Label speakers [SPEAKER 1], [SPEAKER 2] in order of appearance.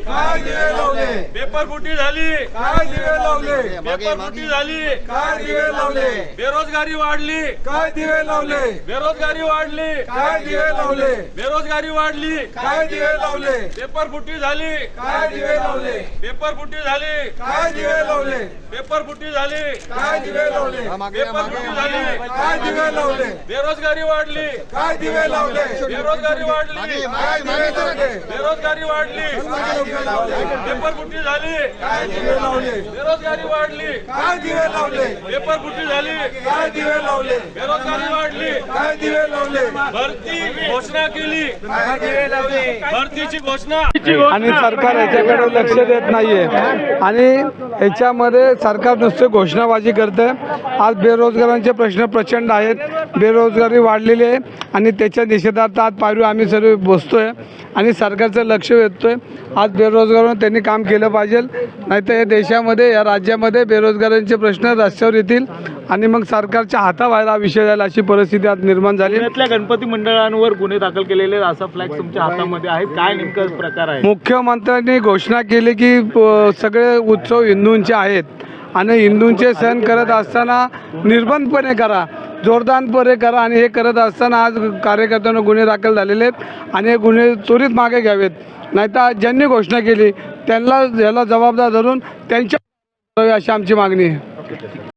[SPEAKER 1] काय दिवे लावले,
[SPEAKER 2] पेपर फुटी झाली,
[SPEAKER 1] काय दिवे लावले,
[SPEAKER 2] पेपर फुटी झाली,
[SPEAKER 1] काय दिवे लावले,
[SPEAKER 2] बेरोजगारी वाढली,
[SPEAKER 1] काय दिवे लावले,
[SPEAKER 2] बेरोजगारी वाढली,
[SPEAKER 1] काय दिवे लावले,
[SPEAKER 2] बेरोजगारी वाढली,
[SPEAKER 1] काय दिवे लावले,
[SPEAKER 2] पेपर फुटी झाली,
[SPEAKER 1] काय दिवे लावले,
[SPEAKER 2] पेपर फुटी झाली,
[SPEAKER 1] काय दिवे लावले,
[SPEAKER 2] पेपर फुटी झाली,
[SPEAKER 1] काय दिवे लावले,
[SPEAKER 2] पेपर फुटी झाली,
[SPEAKER 1] काय दिवे लावले,
[SPEAKER 2] बेरोजगारी वाढली,
[SPEAKER 1] काय दिवे लावले,
[SPEAKER 2] बेरोजगारी वाढली,
[SPEAKER 1] काय दिवे लावले,
[SPEAKER 2] बेरोजगारी वाढली,
[SPEAKER 1] काय दिवे लावले,
[SPEAKER 2] पेपर फुटी झाली,
[SPEAKER 1] काय दिवे लावले,
[SPEAKER 2] बेरोजगारी वाढली,
[SPEAKER 1] काय दिवे लावले,
[SPEAKER 2] पेपर फुटी झाली,
[SPEAKER 1] काय दिवे लावले,
[SPEAKER 2] बेरोजगारी वाढली,
[SPEAKER 1] काय दिवे लावले,
[SPEAKER 2] भरती घोषणा केली,
[SPEAKER 1] काय दिवे लावले,
[SPEAKER 2] भरतीची घोषणा
[SPEAKER 3] आणि सरकार याच्याकडे लक्ष देत नाहीये आणि याच्यामध्ये सरकार नुसते घोषणाबाजी करते। आज बेरोजगारांचे प्रश्न प्रचंड आहेत, बेरोजगारी वाढलेली आहे आणि त्याच्या निषेधार्थ आज पायरी आम्ही सर्व बसतोय आणि सरकारचं लक्ष वेधतोय। आज बेरोजगारांना त्यांनी काम केलं पाहिजे, नाहीतर या देशामध्ये या राज्यामध्ये बेरोजगारांचे प्रश्न रस्त्यावर येतील आणि मग सरकारच्या हाताबाहेर हा विषय जाईल अशी परिस्थिती आज निर्माण झाली।
[SPEAKER 4] पुण्यातल्या गणपती मंडळांवर गुन्हे दाखल केलेले असा फ्लॅग तुमच्या हातामध्ये आहेत, काय नेमका प्रकार आहे?
[SPEAKER 3] मुख्यमंत्र्यांनी घोषणा केली की सगळे उत्सव हिंदूंचे आहेत आणि हिंदूंचे सण करत असताना निर्बंधपणे करा, जोरदारपणे करा आणि हे करत असताना आज कार्यकर्त्यांना गुन्हे दाखल झालेले आहेत आणि हे गुन्हे त्वरित मागे घ्यावेत, नाहीतर ज्यांनी घोषणा केली त्यांना याला जबाबदार धरून त्यांच्या अशी आमची मागणी आहे।